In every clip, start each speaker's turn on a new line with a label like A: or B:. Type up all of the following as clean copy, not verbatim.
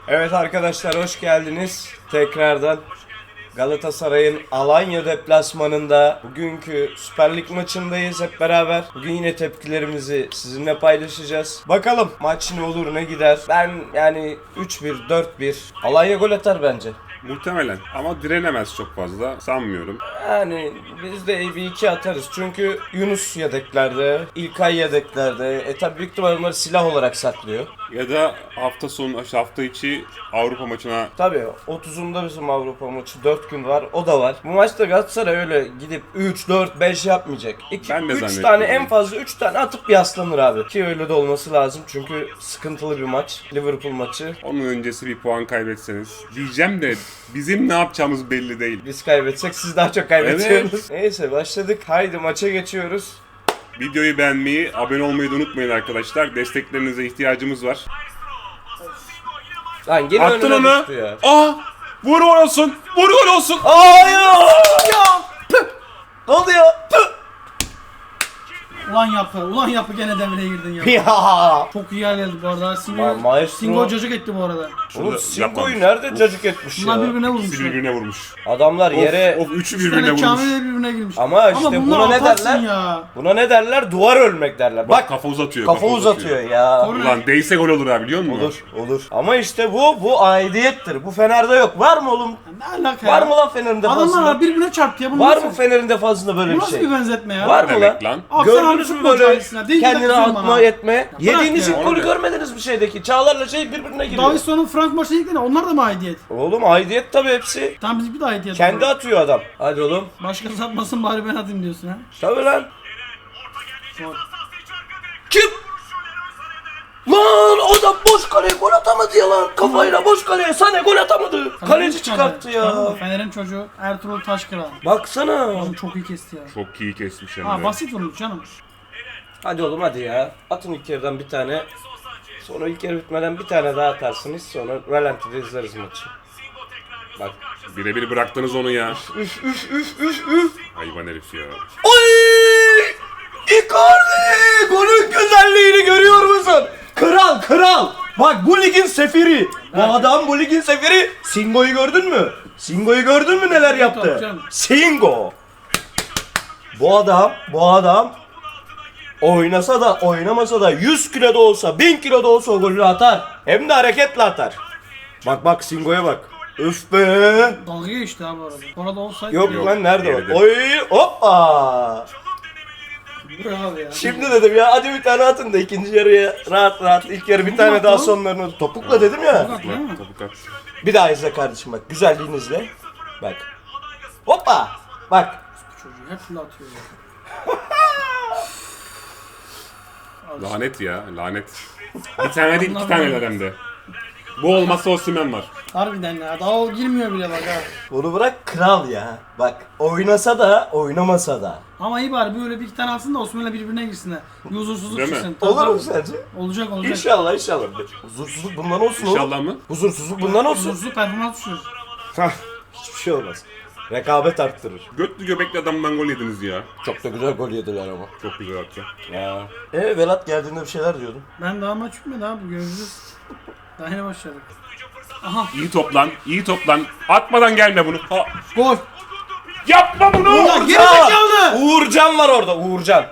A: Evet arkadaşlar, hoş geldiniz tekrardan. Galatasaray'ın Alanya deplasmanında bugünkü Süper Lig maçındayız hep beraber. Bugün yine tepkilerimizi sizinle paylaşacağız. Bakalım maç ne olur ne gider. Ben yani 3-1, 4-1 Alanya gol atar bence.
B: Muhtemelen ama direnemez çok fazla sanmıyorum.
A: Yani biz de bir iki atarız. Çünkü Yunus yedeklerde, İlkay yedeklerde. Tabi büyük ihtimalle onları silah olarak saklıyor.
B: Ya da hafta sonu, hafta içi Avrupa maçına
A: Tabii 30'unda bizim Avrupa maçı 4 gün var, o da var. Bu maçta Galatasaray öyle gidip 3, 4, 5 yapmayacak. 2,
B: Ben de
A: 3
B: zannetmiyorum.
A: tane, en fazla 3 tane atıp yaslanır abi. Ki öyle de olması lazım çünkü sıkıntılı bir maç. Liverpool maçı.
B: onun öncesi bir puan kaybetseniz diyeceğim de bizim ne yapacağımız belli değil.
A: Biz kaybetsek siz daha çok kaybediyorsunuz. Neyse başladık. Haydi maça geçiyoruz.
B: Videoyu beğenmeyi, abone olmayı da unutmayın arkadaşlar. Desteklerinize ihtiyacımız var.
A: Lan gene
B: Attın
A: önüne
B: onu.
A: düştü ya.
B: Aa! Vur gol olsun! Vur gol olsun!
A: Ay ya! Püh! Ne oldu ya? Püh!
C: Ulan yapı gene devreye girdin ya.
A: Ya!
C: Çok iyi yer geldi bu arada.
A: Maestro-
C: Singo cacık etti bu arada.
A: Oğlum
B: Şurada
A: Singo'yu
B: yapmamış.
A: nerede cacık etmiş
C: Bunlar
A: ya?
C: birbirine
B: İkisi
C: vurmuşlar.
B: birbirine vurmuş.
A: Adamlar yere...
B: Of üçü
C: Bir
B: birbirine
C: tane
B: vurmuş.
C: Kamil de birbirine girmiş.
A: Ama işte
C: bunlar
A: buna ne
C: atarsın
A: derler?
C: ya.
A: Buna ne derler? Duvar ölmek derler.
B: Bak
A: Bak
B: kafa uzatıyor.
A: kafa uzatıyor ya.
C: Korner.
B: Ulan değse gol olur ha biliyor musun?
A: Olur. Ama işte bu aidiyettir. Bu Fener'de yok. Var mı oğlum?
C: Ne alaka
A: Var
C: ya?
A: mı lan Fener'in defasında?
C: Adamlar birbirine çarptı ya. Bunu
A: Var
C: nasıl-
A: mı Fener'in defasında böyle
C: Bu
A: bir
C: nasıl
A: şey?
C: bir benzetme ya?
A: Var mı lan?
B: Demek lan.
C: Abi sen
A: Gördünüz
C: abi
A: mü
C: futbol
A: böyle
C: cahilsin ha. Değil
A: kendini
C: kızıyorum
A: atma
C: bana.
A: etme?
C: bırak
A: Yediğiniz
C: ya.
A: ilk golü
B: Onu da-
A: görmediniz mi şeydeki? Çağlar'la birbirine giriyor.
C: Davidson'un Frank maçına ilk onlar da mı aidiyet?
A: Oğlum aidiyet tabii hepsi.
C: Tam bizimki de aidiyet.
A: Kendi atıyor adam. Hadi oğlum.
C: Başkası atmasın bari ben atayım diyorsun ha.
A: Tabii lan.
C: Gol.
A: Kim? Lan adam boş kaleye gol atamadı ya lan. Kafayla boş kaleye Sané gol atamadı. Kaleci çıkarttı ya.
C: Fener'in çocuğu Ertuğrul Taşkıran.
A: Baksana.
C: Oğlum çok iyi kesti ya.
B: Çok iyi kesmiş hem
C: Ha
B: de.
C: basit vurmuş canım.
A: Hadi oğlum hadi ya. Atın ilk yarıdan bir tane. Sonra ilk yarı bitmeden bir tane daha atarsınız. Sonra ralantide izleriz maçı. Bak.
B: Birebir bıraktınız onu ya. Hayvan herif ya.
A: Oy! Icardi! Golün güzelliğini görüyor musun? Kral! Bak bu ligin sefiri. Bu adam bu ligin sefiri. Singo'yu gördün mü? Singo'yu gördün mü neler yaptı?
C: canım.
A: Singo. Bu adam oynasa da oynamasa da 100 kilo da olsa 1000 kilo da olsa o golü atar. Hem de hareketle atar. Bak Singo'ya bak. Üf be.
C: Dalga geçti abi orada. Orada olsaydı.
A: Yok lan nerede
B: geride.
A: o? Oy hoppa.
C: Bravo ya.
A: Şimdi dedim ya hadi bir tane atın da ikinci yarıya rahat ilk yarı bir tane daha sonlarını topukla dedim ya.
C: Bak değil mi?
B: Topuk at.
A: Bir daha izle kardeşim bak güzelliğini izle. Bak. Hoppa. Bak.
C: Çocuğu hep fırla atıyor ya.
B: Lanet ya, lanet. Bir tane değil, iki tane hem de. Bu olmazsa Osimhen var.
C: Harbiden ya. Daha o girmiyor bile bak ha.
A: Bunu bırak kral ya. Bak oynasa da oynamasa da.
C: Ama iyi bari böyle bir iki tane atsın da Osman'la birbirine girsinler. Bir huzursuzluk
B: Değil mi?
C: çıksın.
A: Olur mu
C: Tabii.
A: sence?
C: Olacak.
A: İnşallah. Huzursuzluk bundan olsun oğlum.
B: İnşallah mı?
A: Huzursuzluk bundan olsun.
C: Huzursuzluk performans düşürür.
A: Hah. Hiçbir şey olmaz. Rekabet arttırır.
B: Götlü göbekli adamdan gol yediniz ya.
A: Çok da güzel gol yediler ama.
B: Çok güzel attı.
A: Ya. Velat geldiğinde bir şeyler diyordun.
C: Ben daha maç bitmedi abi göreceğiz. Daha yeni başladık. Aha
B: İyi toplan. Atmadan gelme bunu. Ha.
C: gol.
B: Yapma bunu!
C: Ulan geri zekalı.
A: Uğurcan var orada, Uğurcan.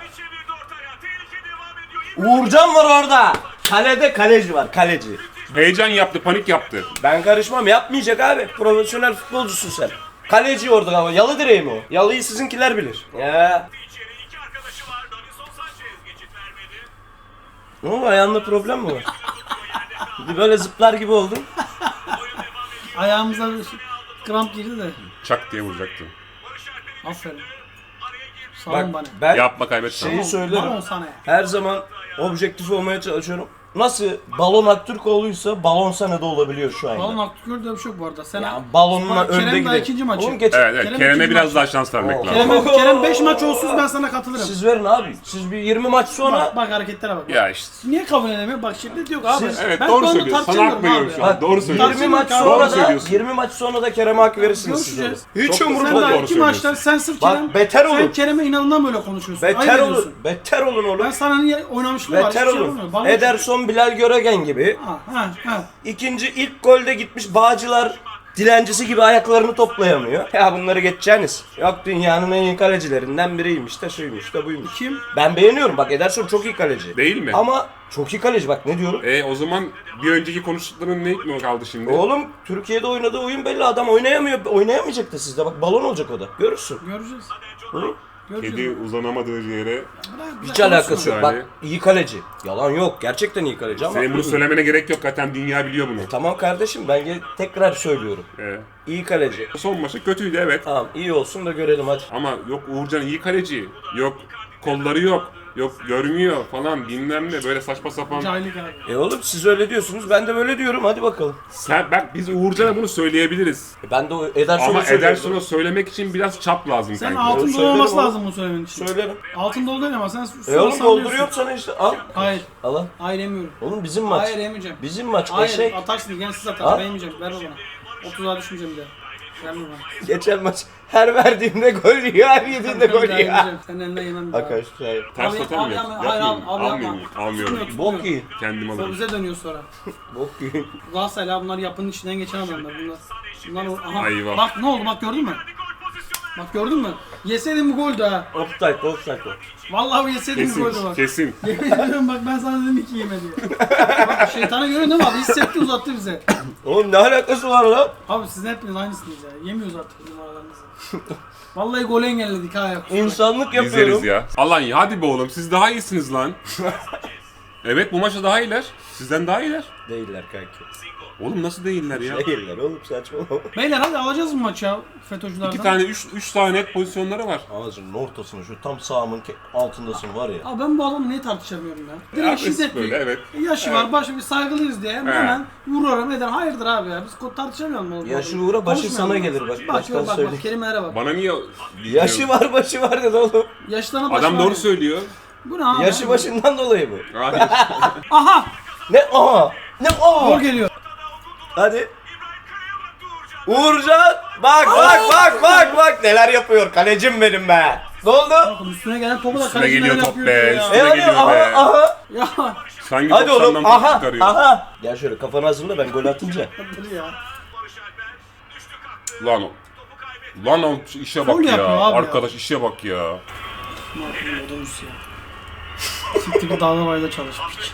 A: Uğurcan var orada. Kalede kaleci var, kaleci.
B: Heyecan yaptı, panik yaptı.
A: Ben karışmam, yapmayacak abi. Profesyonel futbolcusun sen. Kaleci orada ama yalı direği mi o? Yalıyı sizinkiler bilir. Ya. Ne oldu, ayağında problem mi var? Bir böyle zıplar gibi oldun.
C: Ayağımıza bir kramp girdi de.
B: Çak diye vuracaktı.
C: Aferin. Sağ
A: Bak
C: olun bana.
A: ben
B: Yapma kaybetme.
A: şeyi söylerim.
C: Bravo sana.
A: Her zaman objektif olmaya çalışıyorum. Nasıl balon Aktürkoğlu'ysa balon sana da olabiliyor şu anda.
C: Balon Aktürk'ü de bir şey yok bu arada. Sen
A: Ya balonla
C: Bak,
A: önde
C: Kerem daha
A: gidelim.
C: ikinci maçı.
A: Oğlum geç.
B: Evet,
C: Kerem
B: Kerem'e
C: ikinci
B: biraz
C: maç.
B: daha şans vermek
A: Oo.
B: lazım.
C: Kerem 5 maç olsuz ben sana katılırım.
A: Siz verin abi. Siz bir 20 maç sonra
C: Bak hareketlere bak.
B: Ya işte.
C: Niye kabul edemiyor? Bak şiddet yok abi.
A: Siz-
B: Evet
C: Ben
B: doğru
C: bu konuda
B: söylüyorsun. Sana hak
C: tartışamıyorum
B: veriyorum
C: abi
B: şu
C: ya.
B: an. Doğru
A: 20
B: söylüyorsun.
A: maç
C: Doğru
A: sonra da
B: söylüyorsun.
A: 20 maç sonra da Kerem'e hak verirsiniz siz orada.
C: Görüşeceğiz.
A: Hiç
B: Çok da
A: umurumda
C: Sen
B: Doğru
C: daha
A: değil.
C: iki
B: söylüyorsun.
C: maçlar sen sırf
A: Bak,
C: Kerem,
A: beter olun.
C: sen Kerem'e inadından böyle konuşuyorsun.
A: Beter
C: Ayıp
A: olun.
C: ediyorsun.
A: Beter olun oğlum.
C: Ben sana niye oynamışlığı var.
A: Beter
C: hiçbir şey
A: olun.
C: yapamıyorum. Bana
A: Ederson Bilal Göregen gibi.
C: Ha.
A: İlk golde gitmiş Bağcılar dilencisi gibi ayaklarını toplayamıyor. Ya bunları geçeceğiniz. Yok dünyanın en iyi kalecilerinden biriymiş de şuymuş da buymuş.
C: Kim?
A: Ben beğeniyorum bak, Ederson çok iyi kaleci.
B: Değil mi?
A: Ama çok iyi kaleci bak, ne diyorum.
B: O zaman bir önceki konuştukların ne mi kaldı şimdi?
A: Oğlum Türkiye'de oynadığı oyun belli, adam oynayamıyor. Oynayamayacak da sizde, bak balon olacak o da. Görürsün.
C: Göreceğiz.
A: Hı?
C: Göreceğiz.
B: Kedi uzanamadığı yere.
A: Hiç alakası yok.
B: Yani.
A: Bak iyi kaleci. Yalan yok. Gerçekten iyi kaleci ama.
B: Senin bunu söylemene gerek yok, zaten dünya biliyor bunu.
A: Tamam kardeşim, ben tekrar söylüyorum.
B: Ee,
A: İyi kaleci.
B: son maçı kötüydü evet.
A: Tamam iyi olsun da görelim hadi.
B: Ama yok Uğurcan iyi kaleci. Yok kolları yok. Yok görmüyor falan bilmem ne, böyle saçma sapan.
C: Cahillik abi.
A: Oğlum siz öyle diyorsunuz, ben de böyle diyorum, hadi bakalım.
B: Biz Uğurcan'a bunu söyleyebiliriz.
A: Ben de Ederson'a
B: Ama
A: söylüyorum.
B: Ederson'a söylemek için biraz çap lazım
C: Sen
B: kanka.
C: altın dolu
A: söylerim
C: olması
A: oğlum.
C: lazım bunu söylemen için.
A: Söylerim.
C: Altın dolu değil ama sen
A: Oğlum
C: sallıyorsun.
A: dolduruyorum sana işte, al.
C: Hayır.
A: Al al.
C: Hayır yemiyorum.
A: Oğlum bizim maç.
C: Hayır yemeyeceğim.
A: Bizim maç
C: Hayır
A: eşek.
C: atarsın gel siz
A: Al.
C: atar. Ben yemeyeceğim. Ver o bana. 30'a düşmeyeceğim bir daha. Verme bana.
A: Geçen maç her verdiğimde gol yiyor, her yediğinde
C: Ben
A: gol
C: daha
A: yiyor.
C: yemeyeceğim. Senin elinden yemem bir daha.
A: Arkadaşlar
B: Ters
C: Abi,
B: atar mı?
C: abi, hayır, abi, abi,
B: Almıyorum.
C: yapma.
B: Almıyorum.
C: Tutmuyor.
A: Bok yiyin.
B: Kendim
C: O
B: alırım.
C: bize dönüyor sonra.
A: Bok yiyin.
C: Galatasaray'la bunlar yapının içinden geçen adamlar. Bunlar aha.
B: Ayva.
C: Bak ne oldu bak gördün mü? Bak gördün mü? Yeseydin bu goldü ha.
A: Offside.
C: Vallahi bu yeseydin bu goldü
B: Kesin,
C: bak.
B: kesin.
C: Yemin ediyorum bak ben sana dedim iki yeme diye. Bak şeytana görüyorsun değil mi abi? Hissetti uzattı bize.
A: Oğlum ne alakası var lan?
C: Abi siz hepiniz aynısınız ya. Yemiyoruz artık bu numaralarınızı. Vallahi golü engelledik ha ya.
A: İnsanlık
B: İzleriz
A: yapıyorum.
B: ya. Alanya hadi be oğlum, siz daha iyisiniz lan. Evet bu maçta daha iyiler. Sizden daha iyiler.
A: Değiller kanki.
B: Oğlum nasıl değiller ya?
A: Değiller oğlum, saçmalama.
C: Beyler hadi alacağız bu maçı ya FETÖ'cülerden.
B: 2 tane 3 tane net pozisyonları var.
A: Ağzının ortasına şu tam sağımın altındasın var ya.
C: Abi ben bu adamı niye tartışamıyorum ya?
B: Ya,
C: Direkt
B: biz
C: şiddetli.
B: böyle, evet.
C: Yaşı var, başı bir saygılıyız diye hemen vuruyorum eder. Hayırdır abi ya? Biz tartışamıyor muyuz?
A: Yaşı uğra, başı
C: Konuşmayalım
A: sana
C: ya.
A: gelir bak,
C: Bak
A: baştan
C: bak bak
A: söyleyeyim.
C: kelimelere bak.
B: Bana niye...
A: Yaşı var başı var dedi oğlum.
C: Yaşlarına başı
B: Adam
C: var
B: doğru
C: ya.
B: söylüyor.
C: Bu ne abi?
A: Yaşı başından dolayı mı?
B: Hayır.
C: Aha!
A: Ne aha? Ne
C: Gol
A: aha?
C: geliyor.
A: Hadi. Uğurcan bak neler yapıyor kalecim benim be. Ne oldu?
C: Bakın üstüne gelen topu da
B: Üstüne
C: kaleci
B: geliyor
C: neler
B: top
C: yapıyor
B: be,
C: ya.
B: üstüne-
A: Hadi
B: geliyor
A: aha
B: be.
A: aha.
C: Ya
B: Sanki
A: Hadi
B: 90'dan
A: oğlum
B: top
A: aha
B: çıkarıyor.
A: aha. Gel şöyle kafanı hazırla, ben gol atınca.
C: dur ya.
B: Lan o. Lan o işe
C: Faul
B: bak ya.
C: yapıyor abi ya.
B: Arkadaş işe bak ya.
C: Ne yapayım odamız ya. Siktir bir dağda bayda çalış piç.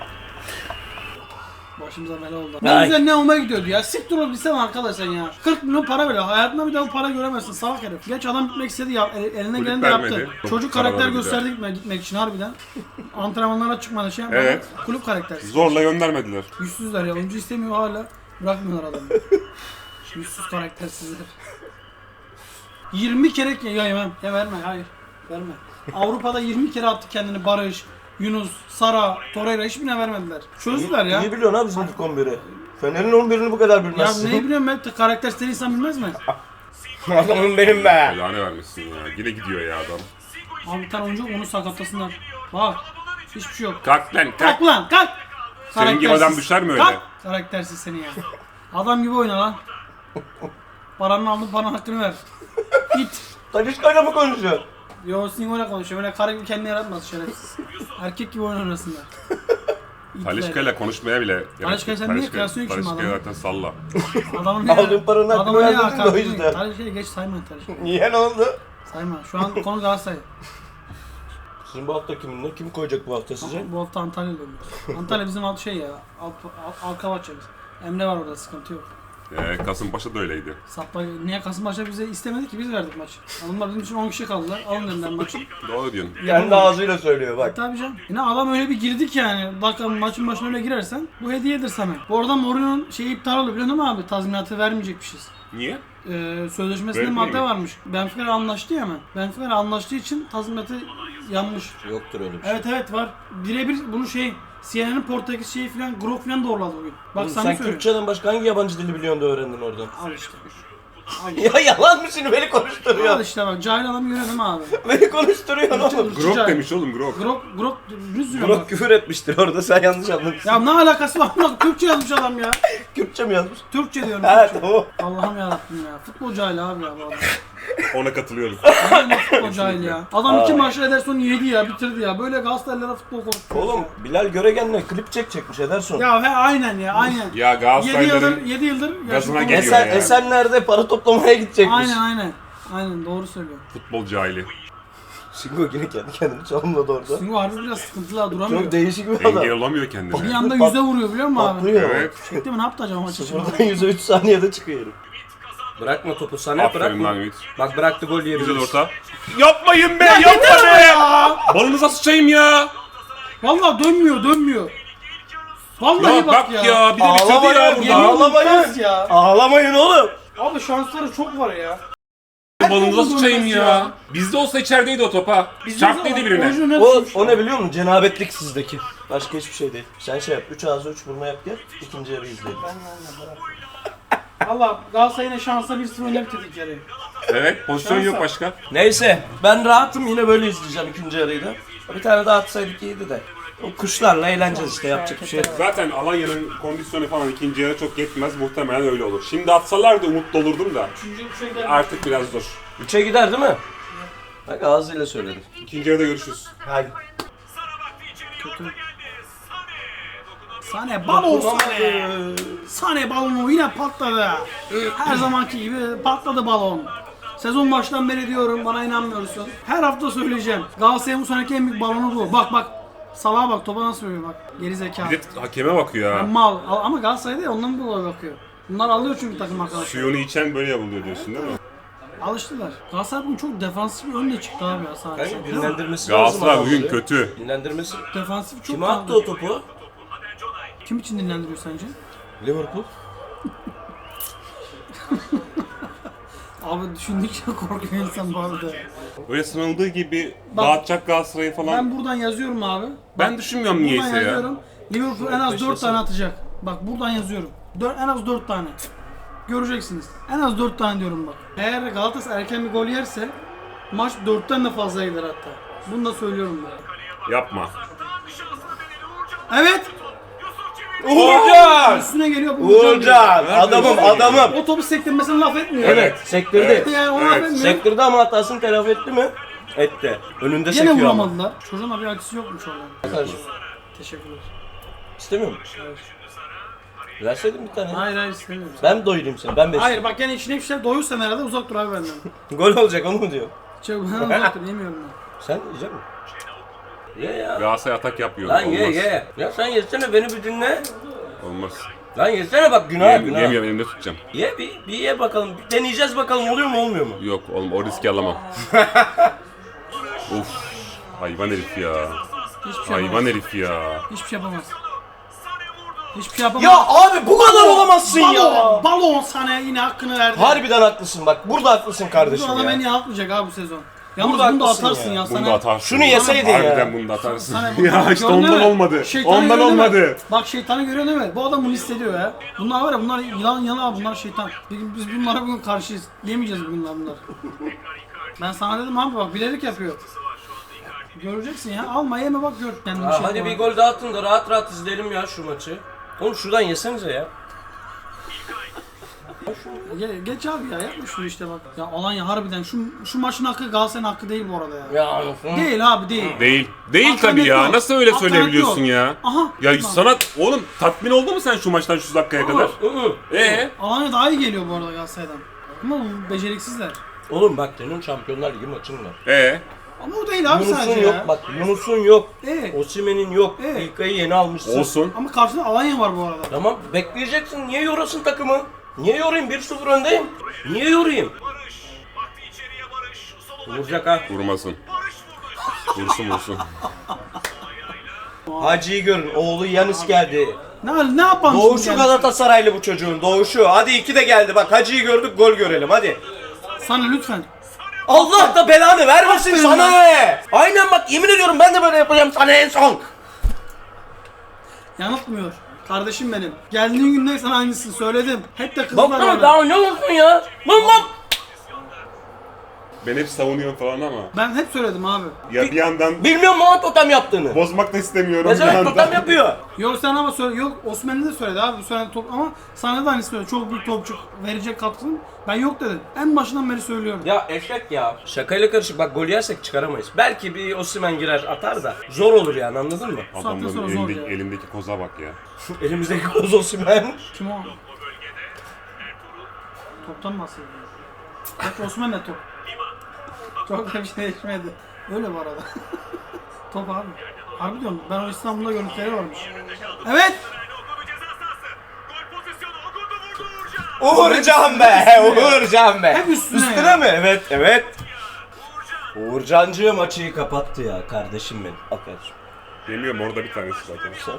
C: Başımıza bela oldu. Ne
A: Ay.
C: güzel ne olmaya gidiyordu ya. Siktir ol bilsem arkadaş sen ya. 40 milyon para veriyor. Hayatında bir daha bu para göremezsin salak herif. Geç adam gitmek istedi ya. Elinden
B: Kulüp
C: geleni de yaptı.
B: vermedi.
C: Çocuk
B: Para
C: karakter
B: vermedi.
C: gösterdi gitmek için harbiden. Antrenmanlara çıkmadı şey yapmadı.
B: Evet.
C: Kulüp karaktersiz.
B: Zorla göndermediler.
C: Yüzsüzler ya. Oyuncu istemiyor hala. Bırakmıyorlar adamı. Yüzsüz karaktersizler. 20 kere ya yemem. Ya verme hayır. Verme. Avrupa'da 20 kere attı kendini Barış, Yunus, Sara, Torreira hiçbirine vermediler. Çözdüler ya.
A: İyi biliyorsun abi bizim ilk 11'i. Fener'in 11'ini bu kadar
C: Ya
A: bilmezsin.
C: neyi biliyorum ben karaktersiz insan bilmez mi?
A: Adamım benim be.
B: Lanet vermişsin ya. Yine gidiyor ya adam.
C: Abi bir tane oyuncu onu sakatlasınlar. Bak hiçbir şey yok.
B: Kalk lan kalk.
C: Kalk lan kalk.
B: Senin gibi adam düşer mi öyle?
C: Kalk. Karaktersiz seni ya. Adam gibi oyna lan. Paranı aldın paranın hakkını ver. Git.
A: Talişka'yla mı konuşuyorsun?
C: Yo Singo'yla konuşuyor. Böyle karı gibi kendini yaratmaz şerefsiz. Erkek gibi oyun oynasınlar.
B: Talişka'yla konuşmaya bile gerek yok.
C: Talişka'yı sen niye kıyaslıyorsun ki şimdi
B: Talişka'yı
C: adamı?
B: zaten salla.
C: Adamın
A: Aldığın paranın hakkını vermedin de o yüzden.
C: Talişka'yı geç sayma Talişka'yı.
A: Niye ne oldu?
C: Sayma. Şu an konu Galatasaray.
A: Sizin bu hafta kiminle? Kim koyacak bu hafta size?
C: Bu hafta Antalya'da oynuyoruz. Antalya bizim alt şey ya. Alkavaçya biz. Emre var orada sıkıntı yok.
B: Kasımpaşa da öyleydi.
C: Sapla niye Kasımpaşa bize istemedi ki biz verdik maçı. Adamlar bizim için 10 kişi kaldılar. Alın dediler maçı.
B: Doğru diyorsun.
A: Kendi ağzıyla söylüyor bak.
C: Tabii canım. Yine adam öyle bir girdi ki yani. Dakika maçın başına öyle girersen bu hediyedir sana. Bu arada Mourinho'nun şeyi iptal oldu biliyor musun abi? Tazminatı vermeyecekmişiz.
B: Niye?
C: Sözleşmesinde
B: Öyle
C: madde
B: mi?
C: varmış. Benfica'yla anlaştı ya hemen. Benfica'yla anlaştığı için tazminatı yanmış.
A: Yoktur öyle bir şey.
C: Evet var. Birebir bunu CNN'in Portekiz şeyi falan Grok falan doğruladı bugün. Bak
A: Oğlum
C: sana
A: sen
C: söylüyorum.
A: Kürtçeden başka hangi yabancı dili biliyorsun da öğrendin oradan?
C: Al işte.
A: Ya yalan mı şimdi, beni
C: Al
A: konuşturuyor.
C: işte bak cahil adamı görelim abi.
A: Beni konuşturuyorsun oğlum.
B: Grok demiş oğlum Grok.
C: Grok düz diyor
A: Burak
C: bak.
A: küfür etmiştir orada, sen yanlış anlamışsın.
C: Ya ne alakası var? Bak Türkçe yazmış adam ya.
A: Kürtçe mi yazmış?
C: Türkçe diyorum.
A: Ha
C: Türkçe.
A: tamam.
C: Allah'ım yarabbim ya. Futbol cahili abi ya bu adam.
B: Ona katılıyorum.
C: Aynen futbol cahil ya. Adam 2 maçta Ederson'u yedi ya, bitirdi ya. Böyle Galatasaraylılara futbol konuşuyor.
A: Oğlum Bilal Göregen'le klip çekecekmiş Ederson.
C: Ya he aynen ya, aynen.
B: Ya
C: 7
B: Galatasaraylıların
C: yıldır
B: gazına
C: yaşlı-
B: geliyor. ya.
A: Esenler'de para toplamaya gidecekmiş.
C: Aynen. Aynen doğru söylüyor.
B: futbol cahili.
A: Singo yine kendi kendini çalımladı orada.
C: Singo harbi biraz sıkıntılı ha, duramıyor.
A: Çok değişik bir adam.
B: Engel olamıyor
C: Bir
B: kendine.
C: anda yüze vuruyor biliyor musun abi?
A: Patlıyor.
B: Evet.
C: Çekti mi, ne yaptı acaba maç için?
A: Sıfırdan 100'e 3 saniyede çıkıyor herif. Bırakma topu sana
B: Aferin
A: bırakma.
B: lan Ümit.
A: Bak bıraktı gol
B: Güzel
A: yiyebiliriz.
B: orta. Yapmayın be!
C: Yeter
B: Yapma
C: ama
B: be!
C: ya!
B: Balınıza sıçayım ya!
C: Valla dönmüyor. Vallahi
B: Ya
C: bak
B: bak ya! Bir de bitirdi
A: Ağlamayın,
B: ya
C: Yemin
B: burada.
A: ağlamayın.
C: olmaz ya.
A: Ağlamayın oğlum.
C: Abi şansları çok var ya.
B: Balınıza sıçayım
C: dönmez
B: ya. Bizde olsa içerideydi o topa. Çarptıydı birine.
A: O ne biliyor musun? Cenabetlik sizdeki. Başka hiçbir şey değil. Sen şey yap. 3 ağzı 3 buruna yap gel. İkinci yarı izleyelim.
C: Valla Galatasaray yine şansa 1-0 öne bitirdik yarıyı.
B: Evet, pozisyon yok başka.
A: Neyse ben rahatım, yine böyle izleyeceğim ikinci yarıyı da. Bir tane daha atsaydık iyiydi de. O kuşlarla eğleneceğiz işte, yapacak bir şey yok.
B: Zaten Alanya'nın kondisyonu falan ikinci yarı çok yetmez. Muhtemelen öyle olur. Şimdi atsalardı umutlu olurdum da.
C: Üçüncü bir şey geldi.
B: Artık biraz zor.
A: 3'e gider değil mi? Bak ağzıyla söyledim.
B: İkinci yarıda görüşürüz.
A: Haydi.
C: Sane balon Sane. Sane balonu yine patladı. Her zamanki gibi patladı balon. Sezon baştan beri diyorum, bana inanmıyorsun. Her hafta söyleyeceğim. Galatasaray'ın bu seneki en büyük balonu bu. Bak. Salaha bak, topa nasıl vuruyor bak. Geri zekalı.
B: Bir de hakeme bakıyor ha.
C: Mal. Ama Galatasaray değil, ondan dolayı bakıyor. Bunlar alıyor çünkü takım arkadaşlar.
B: Suyunu içen böyle yapılıyor diyorsun değil mi?
C: Alıştılar. Galatasaray bugün çok defansif bir önde çıktı abi ya sadece.
A: Kanka dinlendirmesi lazım.
B: Galatasaray bugün
A: adamları.
B: kötü.
A: Dinlendirmesi.
C: Defansif çok
A: Kime attı o topu?
C: Kim için dinlendiriyor sence?
A: Liverpool.
C: Abi düşündükçe korkuyor insan bu arada.
B: Böyle sınanıldığı gibi
C: Bak,
B: dağıtacak Galatasaray'ı falan.
C: Ben buradan yazıyorum abi.
B: Ben düşünmüyorum
C: Buradan
B: niyeyse ya.
C: yazıyorum. Liverpool en az 4 tane atacak. Bak buradan yazıyorum. En az 4 tane. Göreceksiniz. En az 4 tane diyorum bak. Eğer Galatasaray erken bir gol yerse maç 4'ten de fazla gider hatta. Bunu da söylüyorum ben.
B: Yapma.
C: Evet.
A: Uğurcan!
C: Üstüne geliyor bu
A: Uğurcan! Adamım.
C: O topu sektirmesine laf etmiyor.
A: Evet, sektirdi.
C: Yani ona laf etmiyor.
A: Sektirdi ama hatasını telafi etti mi? Etti. Önünde
C: Gene
A: sekiyor ama.
C: vuramadılar. Çocuğun da bir acısı yokmuş orada.
A: Kardeşim,
C: Teşekkürler.
A: İstemiyor musun? Verseydin bir tane.
C: Hayır istemiyorum.
A: Ben doyurayım seni, ben besleyeyim.
C: Hayır bak gene içine bir şey doyursan herhalde uzak dur abi benden.
A: Gol olacak onu mu diyor?
C: Çok ben uzak dur yemiyorum ben.
A: Sen yiyecek misin? Ye ya.
B: Galatasaray atak yapıyor.
A: Lan
B: Olmaz.
A: ye. Ya sen yesene, beni bir dinle.
B: Olmaz.
A: Lan yesene bak, günah günah.
B: Yemiyorum, elimde tutacağım.
A: Ye bir ye bakalım. Bir deneyeceğiz bakalım, oluyor mu olmuyor mu?
B: Yok oğlum, o riski alamam. Of. Hayvan herif ya.
C: Hiçbir şey
B: Hayvan
C: yapamaz.
B: herif ya.
C: Hiçbir şey yapamaz. Hiçbir şey yapamaz.
A: Ya abi bu kadar olamazsın ya.
C: Balon sana yine hakkını verdi.
A: Harbiden haklısın bak. Burada haklısın
C: Bu
A: kardeşim
C: adam en
A: ya.
C: iyi atmayacak abi bu sezon. Yalnız
A: Burada
C: bunu da
A: haklısın
C: atarsın
A: ya.
C: ya,
B: Bunu
C: sana.
B: da atarsın.
A: Şunu yeseydin ya.
B: Harbiden bunu da atarsın.
C: Sana
B: Ya işte
C: gördün
B: ondan
C: mü?
B: olmadı.
C: Şeytanı
B: Ondan
C: görüyor değil mi?
B: olmadı.
C: Bak şeytanı görüyor değil mi? Bu adam bunu hissediyor ya. Bunlar var ya, bunlar yılan abi, bunlar şeytan. Biz bunlara bugün karşıyız. Yemeyeceğiz bugün bunlar. Ben sana dedim abi bak, bilerek yapıyor. Göreceksin ya, alma yeme bak gör. Kendini
A: Ha,
C: şey
A: hadi
C: yapma.
A: bir gol daha atın da rahat rahat izleyelim ya şu maçı. Oğlum şuradan yesenize ya.
C: Geç abi ya, yapma şunu işte bak. Ya Alanya harbiden şu maçın hakkı Galatasaray'ın hakkı değil bu arada ya.
A: Ya anasını.
C: Değil abi değil.
B: Değil. Değil
C: Alternatif
B: tabii ya.
C: yok.
B: Nasıl öyle
C: Alternatif
B: söyleyebiliyorsun
C: yok.
B: ya?
C: Aha.
B: Ya
C: Tamam.
B: sana oğlum tatmin oldu mu sen şu maçtan şu dakikaya kadar?
C: Alanya daha iyi geliyor bu arada Galatasaray'dan. Ama bu beceriksizler.
A: Oğlum bak senin Şampiyonlar Ligi maçın var.
C: Ama o değil abi
A: Yunus'un
C: sadece
A: yok
C: ya.
A: bak, Yunus'un yok.
C: Evet.
A: Osimhen'in yok.
C: Evet.
A: İlkay'ı yeni almışsın.
B: Olsun.
C: Ama karşıda Alanya var bu arada.
A: Tamam bekleyeceksin. Niye yorasın takımı? Niye yorayım? 1-0 öndeyim. Niye yorayım? Vuracak ha.
B: Vurmasın. Vursun.
A: Hacı'yı görün. Oğlu Yanis geldi.
C: Ne yapalım
A: Doğuşu
C: şimdi?
A: Galatasaraylı bu çocuğun. Doğuşu. Hadi 2 de geldi. Bak Hacı'yı gördük, gol görelim hadi.
C: Sana lütfen.
A: Allah da belanı vermesin
C: Aferin
A: sana
C: lan.
A: ne? Aynen bak, yemin ediyorum ben de böyle yapacağım sana en son.
C: Yanıltmıyor. Kardeşim benim. Geldiğin günden sana aynısını söyledim. Hep de kızlar
A: Bak
C: bana.
A: daha ne olsun ya? Lan.
B: Ben hep savunuyorum falan ama.
C: Ben hep söyledim abi.
B: Ya bir yandan
A: Bilmiyorum mu totem yaptığını?
B: bozmak da istemiyorum.
A: Ne
B: bir
A: zaman
B: yandan.
A: totem yapıyor?
C: Yok sen ama söyle, yok Osmanlı da söyledi abi söyledi top ama sana da aynı söyledi. Çok büyük topçu verecek katkısını ben yok dedim. En başından beri söylüyorum.
A: Ya eşek ya. Şakayla karışık bak gol yersek çıkaramayız. Belki bir Osimhen girer atar da zor olur yani anladın mı?
C: Saatten sonra
B: Adamların
C: zor
B: elindeki,
C: ya.
B: elindeki koza bak ya.
A: Elimizdeki koz Osimhen.
C: Kim o? Toptan bahsediyor. Bak Osman ne top? Çok da bir şey değişmedi. Öyle bu arada. Top abi. Harbi diyorum ben o İstanbul'da görüntüleri varmış. Evet.
A: Uğurcan be, Uğurcan be.
C: Hep üstüne
A: Üstüne
C: ya.
A: mi? Evet, evet. Uğurcancığım açıyı kapattı ya kardeşim benim. Aferin.
B: Yemiyorum orada bir tanesi zaten.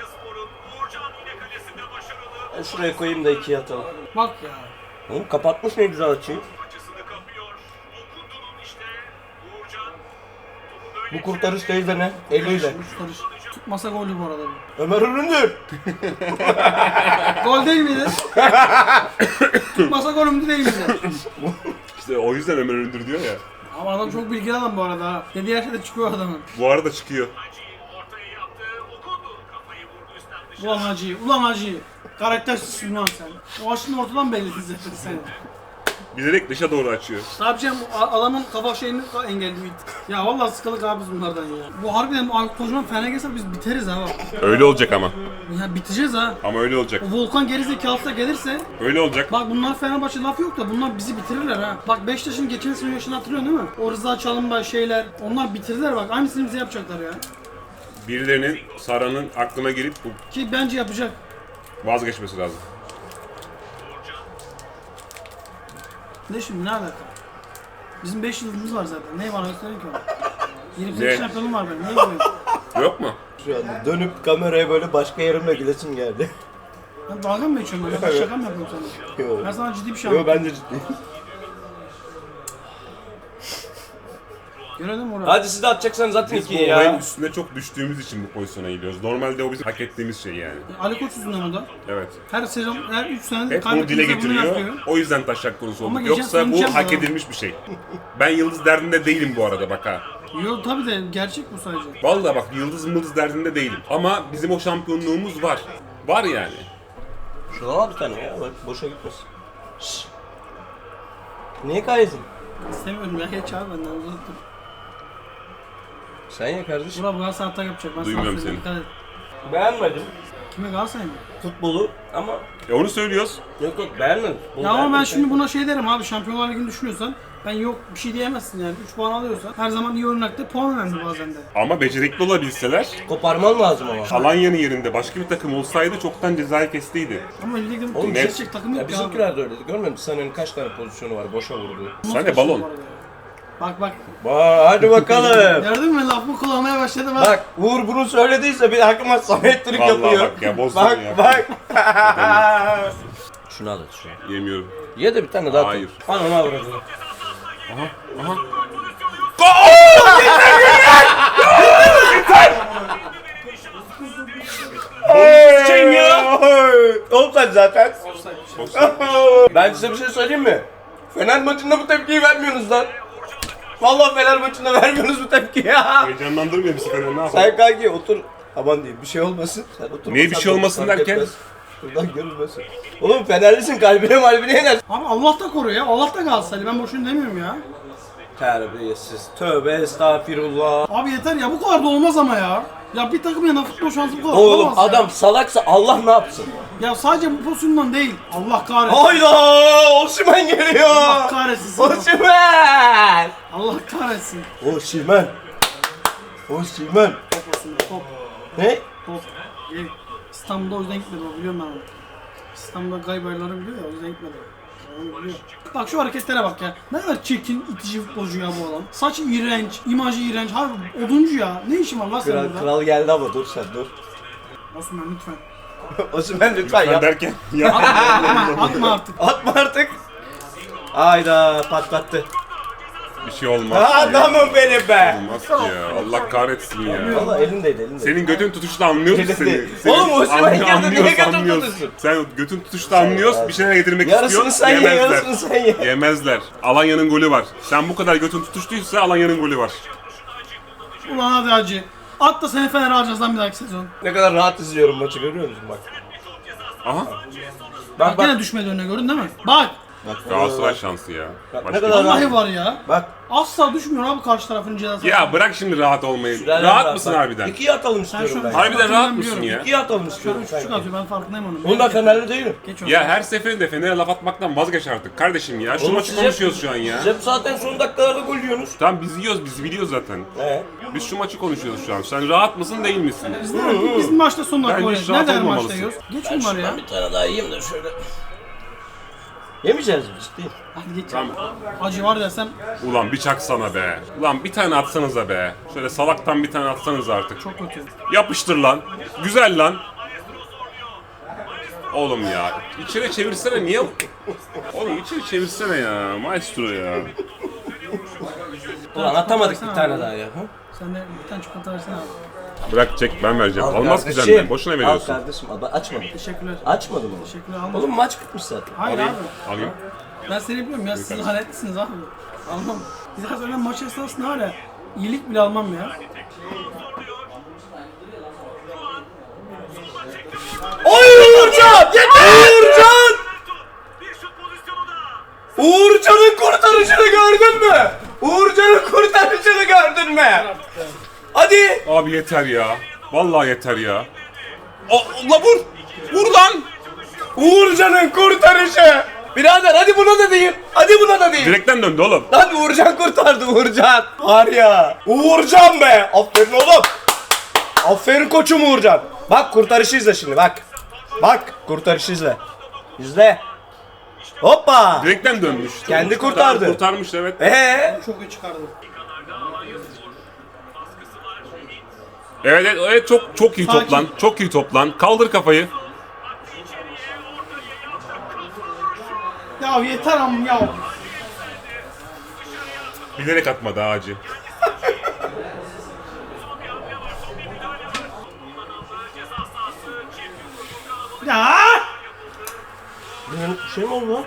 A: Ben şuraya koyayım da ikiye atalım.
C: Bak ya.
A: Oğlum kapatmış ne güzel açıyı. Bu kurtarış değil de ne? Eliyle.
C: Karış. Tutmasa goldü bu arada. Bu.
A: Ömer Üründür.
C: Gol değil miydi? Tutmasa golümdü değil miydi?
B: İşte o yüzden Ömer Öndür diyor ya.
C: Ama adam çok bilgili adam bu arada ha. Dediği her şeyde çıkıyor adamın.
B: Bu arada çıkıyor.
C: Ulan Hacı, ulan Hacı. Karaktersiz lan sen. O aşının ortadan belli zaten senin.
B: Bilerek dışa doğru açıyor.
C: Ne yapacağım? Adamın kafa şeyini engelliyor. Ya vallahi sıkıldık abi biz bunlardan ya. Bu harbiden bu Aykut Kocaman fena gelse biz biteriz ha bak.
B: Öyle olacak ama.
C: Ya biteceğiz ha.
B: Ama öyle olacak.
C: O Volkan gerizekalısı da gelirse
B: Öyle olacak.
C: bak bunlar Fenerbahçe laf yok da bunlar bizi bitirirler ha. Bak Beşiktaş'ın geçen sene yaşını hatırlıyorsun değil mi? O Rıza Çalınbay şeyler onlar bitirdiler bak aynısını bize yapacaklar ya.
B: Birilerinin Sara'nın aklına girip bu
C: Ki bence yapacak.
B: vazgeçmesi lazım.
C: Ne şimdi ne alaka? Bizim 5 yıldızımız var zaten. Ne var gösterin ki ona? 28
B: Ne?
C: şampiyonum var benim. Ne yapayım?
B: Yok mu?
A: Şu anda dönüp kameraya böyle başka yerimle gülesim geldi.
C: Ben dalga mı geçiyorum böyle? Ben şaka mı yapıyorum sana?
A: Yo.
C: Ben sana ciddi bir şey
A: Yo
C: anlatıyorum.
A: ben de ciddiyim.
C: Görelim oraya.
A: Hadi siz de atacaksanız zaten
B: Biz bu
A: ikiyi
B: olayın
A: ya.
B: üstüne çok düştüğümüz için bu pozisyona gidiyoruz. Normalde o bizim hak ettiğimiz şey yani.
C: Ali Koç yüzünden o da.
B: Evet.
C: Her sezon, her 3 senedir
B: Hep bunu dile
C: kaybettiğimizde bunu
B: getiriyor.
C: yapıyor.
B: O yüzden taşak konusu
C: Ama
B: olduk.
C: geçen
B: Yoksa
C: sene
B: bu
C: mükemmel
B: hak
C: ha.
B: edilmiş bir şey. Ben yıldız derdinde değilim bu arada bak ha.
C: Yok tabi de gerçek bu sadece.
B: Vallahi bak yıldız derdinde değilim. Ama bizim o şampiyonluğumuz var. Var yani.
A: Şuna al bir tane ya bak boşa gitmesin. Şşş. Niye kaydın?
C: İstemiyorum ya geç abi benden uzattım.
A: Sen ya kardeşim.
C: Burak Galatasaray atak yapacak. Ben sana
B: Duymuyorum
C: söyleyeyim,
B: seni.
C: dikkat et.
A: Beğenmedim
C: Kime Galatasaray mı?
A: futbolu ama
B: Onu söylüyoruz.
A: yok beğenmedim.
C: Ya ama ben şimdi buna şey derim abi Şampiyonlar Ligi'ni düşünüyorsan ben yok bir şey diyemezsin yani 3 puan alıyorsan her zaman iyi oynakta puan önemli bazen de.
B: Ama becerikli olabilseler
A: Koparman lazım ama.
B: Alanya'nın yerinde başka bir takım olsaydı çoktan cezayı kestiydi.
C: Ama ligde bu
A: Oğlum,
C: gerçek takım yok
A: Ya
C: ya.
A: bizimkiler de öyleydi. Görmedin mi? Sané'nin kaç tane pozisyonu var boşa vurdu.
B: Sen de balon.
C: Bak bak.
A: Hadi bakalım.
C: Gördün mü lafımı kullanmaya başladı bak.
A: Bak Uğur bunu söylediyse bir aklıma Samet Türk
B: Vallahi
A: yapıyor.
B: bak ya, bozdun
A: bak,
B: ya.
A: Bak Şunu al hadi şunu.
B: Yemiyorum.
A: Ye de bir tane daha.
B: Hayır.
A: Ananı avradı.
B: Aha.
A: Sen ya. Offside zaten. Ben size bir şey söyleyeyim mi? Fener maçında bu tepkiyi vermiyorsunuz lan. Vallahi Fener maçında vermiyorsunuz bu tepkiyi ya.
B: Heyecanlandırmıyor bizi Fener ne yapalım?
A: Sen kanki otur. Aman diyeyim bir şey olmasın. Sen otur.
B: Niye bir şey olmasın derken?
A: Buradan görülmesin. Oğlum Fenerlisin kalbine malbine yener.
C: Abi Allah da koruyor ya. Allah da Galatasaray. Ben boşuna demiyorum ya.
A: Terbiyesiz. Tövbe estağfirullah.
C: Abi yeter ya bu kadar da olmaz ama ya. Ya bir takım yana futbol şansı bu kadar
A: Oğlum
C: olamaz ya.
A: adam salaksa Allah ne yapsın?
C: Ya sadece bu pozisyondan değil. Allah kahretsin.
A: Hayda! Osimhen geliyor.
C: Allah kahretsin. seni.
A: Osimhen!
C: Allah kahretsin.
A: Osimhen. Osimhen.
C: Top olsun top.
A: Ne?
C: Top. Gel. İstanbul'da o yüzden gitmedi o biliyorum ben onu. İstanbul'da gaybayları biliyor ya o yüzden gitmedi. Onu biliyor. Bak şu hareketlere bak ya. Ne kadar çirkin itici futbolcu ya bu adam. Saç iğrenç, imajı iğrenç. Harbi oduncu ya. Ne işin var lan senin burada?
A: Kral geldi ama dur sen dur.
C: Osman lütfen.
A: Osimhen lütfen
B: Ben
A: yap.
B: derken ya.
C: Atma artık.
A: Atma artık. Hayda patlattı.
B: Bir şey olmaz ki.
A: Adamım benim be.
B: Olmaz ki ya. Allah kahretsin ya.
A: Valla elimdeydi.
B: Senin götün tutuşta anlıyoruz
A: Elinde.
B: seni.
A: Oğlum Osimhen girdi, niye
B: anlıyoruz,
A: götün
B: anlıyoruz.
A: tutuşsun?
B: Sen götün tutuşta anlıyoruz, bir şeyler getirmek
A: Yarısını
B: istiyorsun.
A: sen ye, yarısını sen ye.
B: Yemezler. Alanya'nın golü var. Sen bu kadar götün tutuştuysa Alanya'nın golü var.
C: Ulan hadi hacı. At da seni Fener'e alacağız lan bir dahaki sezon.
A: Ne kadar rahat izliyorum maçı, görüyor musun bak.
B: Aha.
C: Bak gene düşmedi önüne, gördün değil mi? Bak.
B: Galatasaray şansı ya.
A: Bak,
B: Başka
A: ne kadar
B: bir-
C: Vallahi
A: rahat.
C: var ya.
A: Bak.
C: Asla düşmüyor abi karşı tarafın cezası.
B: Ya bırak şimdi rahat olmayı. Rahat mısın
A: bak.
B: harbiden?
A: İkiye atalım
C: Sen
A: istiyorum
C: şu an-
A: ben.
B: Harbiden rahat mısın
C: Biliyorum.
B: ya?
A: İkiye atalım
C: Şu an
A: istiyorum
C: 3.5
A: sanki.
C: atıyor, ben farkındayım onun.
A: Oğlum ben Fenerli değilim.
C: Geç onu.
B: Ya her seferinde Fener'e laf atmaktan vazgeç artık kardeşim ya. Şu
A: Oğlum
B: maçı
A: siz
B: konuşuyoruz
A: hep-
B: şu an ya.
A: Siz hep zaten son dakikalarda gol yiyorsunuz.
B: Tamam biz yiyoruz, biz biliyoruz zaten. Biz şu maçı konuşuyoruz şu an. Sen rahat mısın değil misin?
C: Biz maçta son dakika
B: Bence
C: oynuyoruz.
B: hiç rahat
C: Nereden maçta
B: olmamalısın.
C: yiyoruz? Geç bunları ya.
A: Bir tane daha yiyeyim de şöyle. Yemeyeceğiz biz, ciddiyim.
C: Hadi geç.
B: Tamam.
C: Acı var desem
B: Ulan bir çaksana be. Ulan bir tane atsanıza be. Şöyle salaktan bir tane atsanız artık.
C: çok kötü.
B: Yapıştır lan. Güzel lan. Oğlum ya. İçeri çevirsene niye? Oğlum içeri çevirsene ya. Maestro ya.
A: Ulan atamadık
C: Versene
A: bir tane
C: abi.
A: daha ya.
C: Sen de bir tane çikolata versene abi.
B: Bırak çek ben vereceğim.
A: Al
B: Almaz ki
A: kardeşim,
B: senden. Boşuna veriyorsun.
A: Al kardeşim, al. Ben açmadım.
C: Teşekkürler.
A: Açmadım onu.
C: Teşekkürler, alma.
A: Oğlum maç bitmiş zaten.
C: Hayır
B: Alayım.
C: abi.
B: Alayım.
C: Ben seni biliyorum ya, siz lanetlisiniz abi. Almam. Biz her zaman maç esnasında hala iyilik bile almam ya.
A: Oy Uğurcan! Uğurcan! Uğurcan'ın kurtarışını gördün mü? Uğurcan'ın kurtarışını gördün mü? Hadi!
B: Abi yeter ya. Vallahi yeter ya. La vur. Vur lan.
A: Uğurcan'ın kurtarışı! Birader hadi buna da değil. Hadi buna da değil.
B: Direkten döndü oğlum.
A: Hadi Uğurcan kurtardı Uğurcan. Var ya. Uğurcan be. Aferin oğlum. Aferin koçum Uğurcan. Bak kurtarışı izle şimdi bak. Bak kurtarışı izle. İzle. Hoppa.
B: Direkten dönmüş.
A: Kendi kurtardı.
B: Kurtarmış evet.
C: Çok iyi çıkardı.
B: Evet çok iyi
C: Sakin.
B: toplan. Çok iyi toplan. Kaldır kafayı.
C: Ya yeter amma ya.
B: Bilerek atmadı Hacı.
C: Ya!
A: Bir şey mi oldu lan?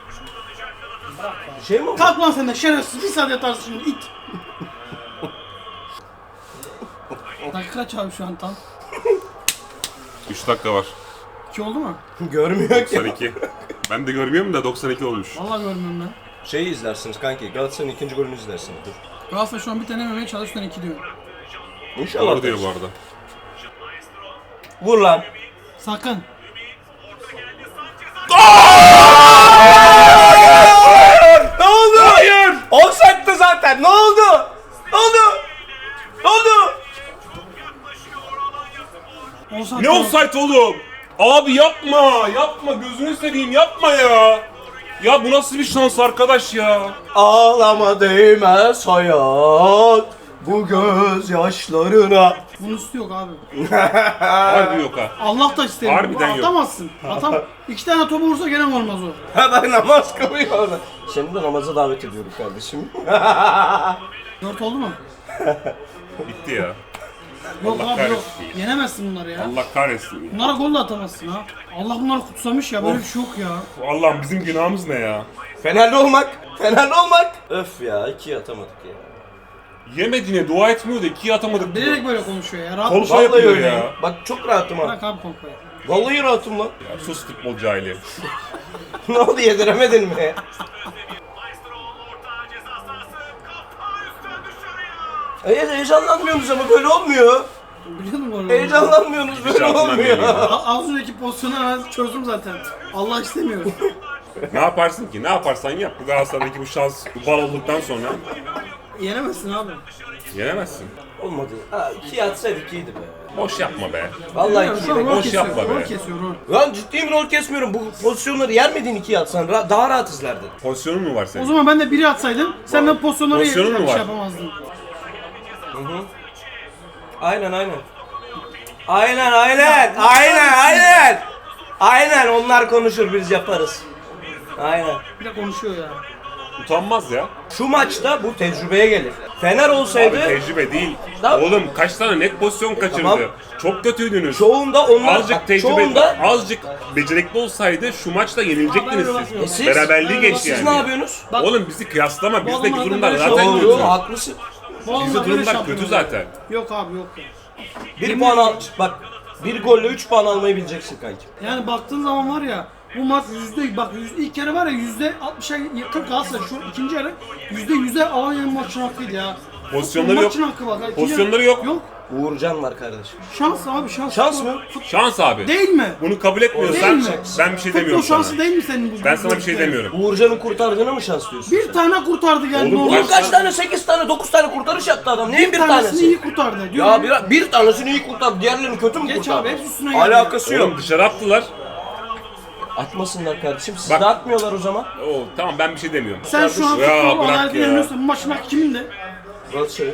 A: Bir şey mi oldu?
C: Kalk lan sen de şerefsiz, bir saat yatarsın şimdi it. Dakika kaç abi şu an tam?
B: 3 dakika var.
C: 2 oldu mu?
A: Görmüyor ki.
B: 92. Ben de görmüyorum da 92 olmuş.
C: Vallahi görmüyorum ben.
A: Şeyi izlersiniz kanki. Galatasaray'ın ikinci golünü izlersiniz. Dur.
C: Galatasaray şu an bir tane yememeye çalışıyor, 2 diyor.
A: İnşallah.
B: Doğru diyor bu arada.
A: Vur lan.
C: Sakın.
A: Ne oldu? Hayır. Offside'dı zaten. Ne oldu? Ne oldu? Ne oldu?
C: Olsan
B: Ne offside oğlum? Abi yapma, yapma gözünü seveyim yapma ya. Ya bu nasıl bir şans arkadaş ya?
A: Ağlama değmez hayat bu gözyaşlarına.
C: Bunun üstü yok abi.
B: Harbi yok ha.
C: Allah da istemiyor.
B: Harbiden yok.
C: Atamazsın. Atam. 2 tane topu vursa gene olmaz o.
A: Hemen namaz kılıyor orada. Seni de namaza davet ediyorum kardeşim.
C: 4 oldu mu?
B: Bitti ya.
C: Yok
B: Allah
C: abi yok.
B: kahretsin.
C: Yenemezsin bunları ya.
B: Allah kahretsin ya.
C: Bunlara gol de atamazsın ha. Allah bunları kutsamış ya, böyle bir şey yok ya.
B: Allah'ım bizim günahımız ne ya?
A: Fenerli olmak. Fenerli olmak. Öf ya, ikiye atamadık ya.
B: Yemediğine dua etmiyor da ikiye atamadık.
C: Bilerek böyle konuşuyor ya. Rahat
B: Kol-
C: ol.
B: Şey
A: Vallahi
B: yapıyor
A: öyleyim.
B: ya.
A: Bak çok rahatım ha.
C: Bırak abi kolpayı.
A: Vallahi rahatım lan.
B: Ya sus futbol cahili.
A: Ne oldu, yediremedin mi? Heyecanlanmıyorsunuz ama böyle olmuyor.
C: Biliyordum gol.
A: Heyecanlanmıyorsunuz böyle
B: Şansından
A: olmuyor.
B: değil ya.
C: Az önceki pozisyonu ben çözdüm zaten. Allah istemiyor.
B: Ne yaparsın ki? Ne yaparsan yap. Bu Galatasaray'daki bu şans, bu bal olduktan sonra
C: Yenemezsin abi.
B: yenemezsin.
A: Olmadı. Ha, ikiye atsaydık iyiydi be.
B: Boş yapma be.
A: Vallahi
C: Bilmiyorum,
A: ikiye
C: şu an
A: de.
C: rol
B: boş
C: kesiyor.
B: yapma be.
C: Rol kesiyor rol.
A: Lan ciddiyim, rol kesmiyorum. Bu pozisyonları yer miydin ikiye atsan? Daha rahat izlerdin.
B: Pozisyonun mu var
C: O
B: senin?
C: zaman ben de biri atsaydım, sen de pozisyonları
B: Pozisyonun mu
C: şey
B: var?
C: yapamazdın.
A: Aynen. Aynen onlar konuşur, biz yaparız. Aynen.
C: Bir de konuşuyor ya.
B: Utanmaz ya.
A: Şu maçta bu tecrübeye gelir. Fener olsaydı
B: Abi tecrübe değil.
A: Tamam.
B: Oğlum kaç tane net pozisyon kaçırdı.
A: Tamam.
B: Çok kötüydünüz.
A: çoğunda onlar
B: Azıcık tecrübe,
A: çoğunda
B: azıcık becerikli olsaydı şu maçta yenilecektiniz
C: Abi,
B: siz.
A: siz-
B: Beraberliği geçti
A: siz
B: yani.
A: ne yapıyorsunuz?
C: Bak-
B: Oğlum bizi kıyaslama. Bizdeki
C: adamlar
B: durumlar
C: böyle
B: zaten
C: şampiyon.
B: kötü.
A: Doğru, haklısın.
C: Bu adamlar
B: Bizde
C: böyle
B: durumlar
C: şampiyon
B: kötü
C: oluyor.
B: zaten.
C: Yok abi yok ya.
A: Bir
C: Yemin
A: puan al.
C: ediyorum.
A: Bak bir golle 3 puan almayı bileceksin kanki.
C: Yani baktığın zaman var ya bu maç ilk kere var ya %60'a yakın Galatasaray şu ikinci yarı %100'e Alanya'nın maçın hakkıydı ya.
B: Pozisyonları
C: Bu
B: yok.
C: Maçın hakkı bak. İkinci
B: Pozisyonları
C: yarı-
B: yok.
C: Yok.
A: Uğurcan var kardeşim.
C: Şans abi şans.
A: Şans mı?
B: Şans abi.
C: Değil mi?
B: Bunu kabul
C: Değil
B: etmiyorsan
C: mi?
B: ben bir şey demiyorum
C: Futbol şansı
B: sana.
C: değil mi senin bu?
B: Ben sana bir şey demiyorum.
A: Uğurcan'ın kurtardığına mı şans diyorsun
C: Bir
A: sen?
C: tane kurtardı yani.
B: Oğlum,
C: normal.
A: Oğlum kaç tane? 8 tane, 9 tane kurtarış yaptı adam. Neyin bir
C: tanesini
A: tanesi?
C: iyi kurtardı.
A: Ya
C: Diyorum.
A: bir tanesini iyi kurtardı. Diğerlerini kötü mü
C: Geç
A: kurtardı?
C: abi, hepsi üstüne geldi.
A: Alakası yok.
B: Oğlum dışarı attılar.
A: Atmasınlar kardeşim. Siz
B: Bak-
A: de atmıyorlar o zaman.
B: Oo, tamam ben bir şey demiyorum.
C: Sen şu an
B: Ya,
C: futbol
B: bırak
C: adaletini
B: ya.
C: yöneliyorsun. Bu maçın hakkı kimin de?
A: Galatasaray.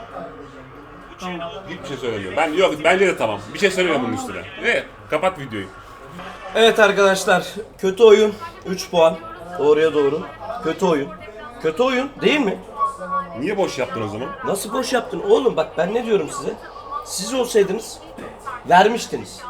C: Tamam.
B: Hiçbir şey söylemiyorum. Ben yok bence de tamam. Bir şey söylemiyorum bunun üstüne. Ve kapat videoyu.
A: Evet arkadaşlar. Kötü oyun. 3 puan. Doğruya doğru. Kötü oyun. Kötü oyun değil mi?
B: Niye boş yaptın o zaman?
A: Nasıl boş yaptın oğlum? Bak ben ne diyorum size? Siz olsaydınız vermiştiniz.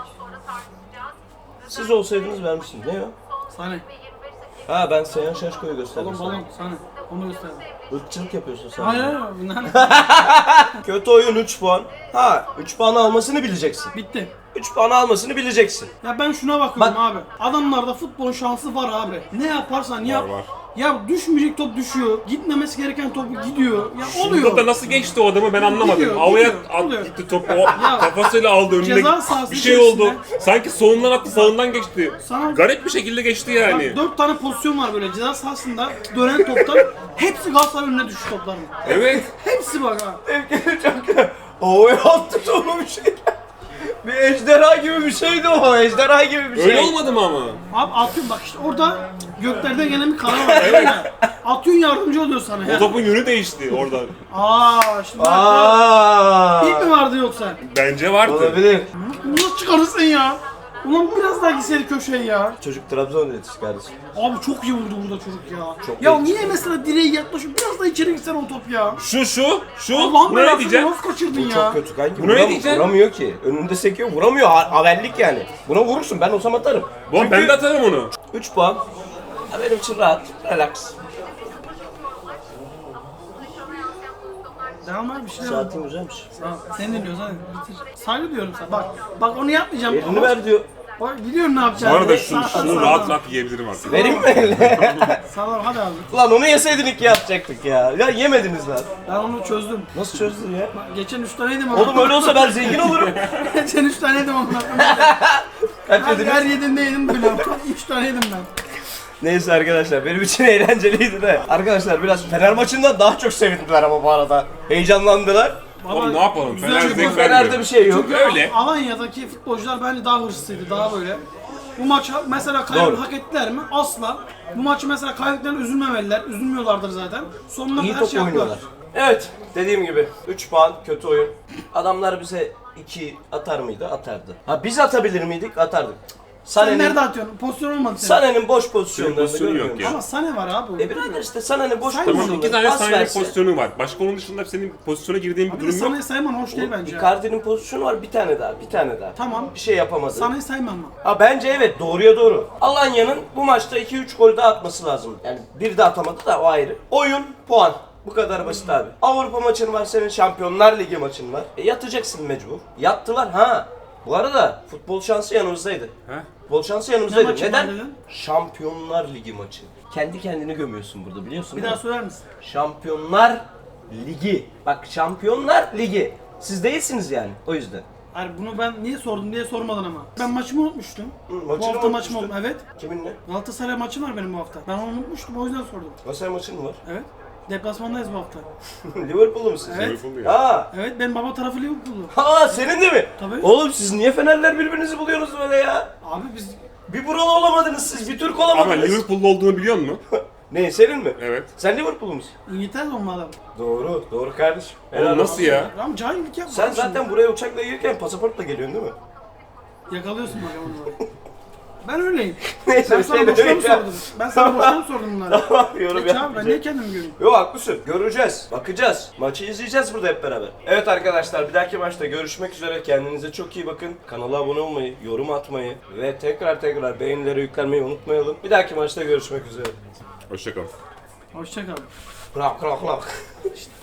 A: Siz olsaydınız vermiştiniz. Ne o?
C: Sahne.
A: Ha ben Seyhan Şaşko'yu gösterdim
C: Balon
A: sana.
C: balon sahne. Onu göster.
A: Irkçılık yapıyorsun sen.
C: Hayır hayır. Bunlar
A: Kötü oyun 3 puan. Ha 3 puan almasını bileceksin.
C: bitti.
A: 3 puan almasını bileceksin.
C: Ya ben şuna bakıyorum
A: Bak-
C: abi. Adamlarda futbol şansı var abi. Ne yaparsan yap.
B: var.
C: Ya düşmeyecek top düşüyor. Gitmemesi gereken top gidiyor. Ya oluyor.
B: Burada da nasıl geçti o adamı ben anlamadım.
C: Gidiyor,
B: Havaya
C: gidiyor,
B: at
C: oluyor.
B: gitti topu. O kafasıyla aldı önüne.
C: Ceza sahası
B: Bir şey oldu.
C: içerisinde-
B: Sanki solundan attı sağından geçti.
C: Sana-
B: Garip bir şekilde geçti yani.
C: Bak 4 tane pozisyon var böyle ceza sahasında dönen toptan. Hepsi Galatasaray önüne düştü topların.
B: Evet.
C: Hepsi bak ha.
A: Çok havaya attı topu bir şey. Bir ejderha gibi bir şeydi o. Ejderha gibi bir şey.
B: Öyle olmadı mı ama?
C: Abi atıyorsun bak işte orada göklerden gelen bir karar var. Evet. Atıyorsun yardımcı oluyor sana
B: O
C: ya.
B: topun yönü değişti oradan.
C: Şimdi bak.
A: Aaa.
C: İlk mi vardı yoksa?
B: Bence vardı.
A: Olabilir.
C: Bunu nasıl çıkarırsın ya? Ulan biraz daha gitseydi köşeye ya.
A: Çocuk Trabzon yetişti kardeşim.
C: Abi çok iyi vurdu burada çocuk ya.
A: Çok
C: ya
A: iyi.
C: niye mesela direğe yaklaşıp biraz daha içeri gitsen o top ya?
B: Şu.
C: Allah'ım
B: Buna ne
C: belasını
B: diyeceksin?
C: nasıl kaçırdın ya?
A: Çok kötü kanki.
B: Buna ne diyeceksin?
A: Vuramıyor ki. Önünde sekiyor. Vuramıyor. Havellik yani. Buna vurursun. Ben olsam atarım.
B: Bon ben de atarım onu.
A: 3 puan. Ha, benim için rahat. Relax.
C: Devam abi bir şeyler.
A: Saatin güzelmiş.
C: Tamam. Sen ne diyorsun hadi bitir. Saygı diyorum sana. Bak onu yapmayacağım.
A: Elini ver diyor.
C: Bak biliyorum ne
B: Bu
C: yapacağını.
B: arada şunu
C: Sağ-
B: rahat rahat yiyebilirim artık.
A: Vereyim mi eline?
C: Sağ hadi abi.
A: Ulan onu yeseydin iki yapacaktık ya. Ya yemediniz lan.
C: Ben onu çözdüm.
A: Nasıl çözdün ya?
C: Bak, geçen 3 tane yedim ama.
A: Oğlum öyle olsa ben zengin olurum.
C: Geçen 3 tane yedim ama.
A: Kaç
C: Her
A: yediniz?
C: yediğinde yedim böyle. 3 tane yedim ben.
A: Neyse arkadaşlar benim için eğlenceliydi de. Arkadaşlar biraz Fener maçından daha çok sevindiler ama bu arada. Heyecanlandılar.
B: Oğlum ne yapalım?
C: güzel
B: Fener
C: bir
B: zevk
C: gol.
A: Fener'de
B: vermiyor.
A: bir şey yok.
C: Çünkü
B: Öyle.
C: Alanya'daki futbolcular bence daha hırslıydı, daha böyle. Bu maçı mesela kaybı
A: Doğru.
C: hak ettiler mi? Asla. Bu maçı mesela kaybettiklerine üzülmemeliler. Üzülmüyorlardır zaten. Sonuna
A: İyi
C: kadar
A: top
C: şey yaptılar.
A: oynuyorlar. Evet dediğim gibi 3 puan kötü oyun. Adamlar bize 2 atar mıydı? Atardı. Ha biz atabilir miydik? Atardık.
C: Sen
A: Sane'nin
C: nerede atıyorsun? Pozisyon olmadı senin.
A: Sane'nin boş pozisyonlarını
B: pozisyonu yok
A: görmüyor
B: ya.
A: musun?
C: Ama Sane var abi.
A: Birader işte Sane'nin boş
C: Sayma.
A: pozisyonları.
B: İki tane
A: pas
B: saniye
A: verse.
B: pozisyonu var. Başka onun dışında senin pozisyona girdiğin bir
C: Bir de
B: durum yok.
C: Sane'yi sayman hoş değil bence.
A: Icardi'nin pozisyonu var bir tane daha, bir tane daha.
C: Tamam.
A: Bir şey yapamadı.
C: Sane'yi sayman mı?
A: Ha bence evet doğruya doğru. Alanya'nın bu maçta 2-3 gol daha atması lazım. Yani bir de atamadı da o ayrı. Oyun, puan. Bu kadar basit abi. Avrupa maçın var senin, Şampiyonlar Ligi maçın var. Yatacaksın mecbur. Yattılar ha. Bu arada futbol şansı yanımızdaydı.
B: He?
A: Futbol şansı
C: Ne
A: yanımızdaydı.
C: maçı
A: Neden?
C: var dedin?
A: Şampiyonlar Ligi maçı. Kendi kendini gömüyorsun burada biliyorsun
C: Bir
A: değil
C: daha
A: mi?
C: söyler misin?
A: Şampiyonlar Ligi. Bak Şampiyonlar Ligi. Siz değilsiniz yani o yüzden.
C: Hayır bunu ben niye sordum diye sormadın ama. Ben maçımı unutmuştum.
A: maçını
C: bu hafta
A: unutmuştun.
C: maçım oldu. Evet.
A: Kiminle?
C: Galatasaray maçı var benim bu hafta. Ben onu unutmuştum o yüzden sordum.
A: Galatasaray maçın mı var?
C: Evet. Deplasmandayız bu hafta.
A: Liverpool'lu musun?
C: Evet.
B: Liverpool'lu ya.
A: Ha.
C: Evet benim baba tarafı Liverpool'lu.
A: Ha senin de mi?
C: Tabii.
A: Oğlum siz niye Fenerler birbirinizi buluyorsunuz böyle ya?
C: Abi biz
A: Bir buralı olamadınız siz, bir Türk
B: Ama
A: olamadınız.
B: Liverpool'lu olduğunu biliyor musun?
A: Ne senin mi?
B: Evet.
A: Sen Liverpool'lu musun?
C: İngiltere'de olma adam.
A: Doğru, doğru kardeşim.
B: Oğlum nasıl ya?
C: Ama cahillik yapma.
A: Sen
C: abi şimdi.
A: zaten buraya uçakla gelirken pasaportla geliyorsun değil mi?
C: Yakalıyorsun bak onu. Ben öyleyim.
A: Neyse,
C: Ben sana
A: sen
C: boşuna mı
A: öyle.
C: sordum? Ben sana boşuna mı sordum bunları?
A: Tamam, yorum
C: Geç abi ben niye
A: yapmayacağım.
C: kendimi göreyim?
A: Yok haklısın. Göreceğiz. Bakacağız. Maçı izleyeceğiz burada hep beraber. Evet arkadaşlar bir dahaki maçta görüşmek üzere. Kendinize çok iyi bakın. Kanala abone olmayı, yorum atmayı ve tekrar beğenileri yüklenmeyi unutmayalım. Bir dahaki maçta görüşmek üzere.
B: Hoşçakal.
C: Hoşça kal.
A: Krak krak krak.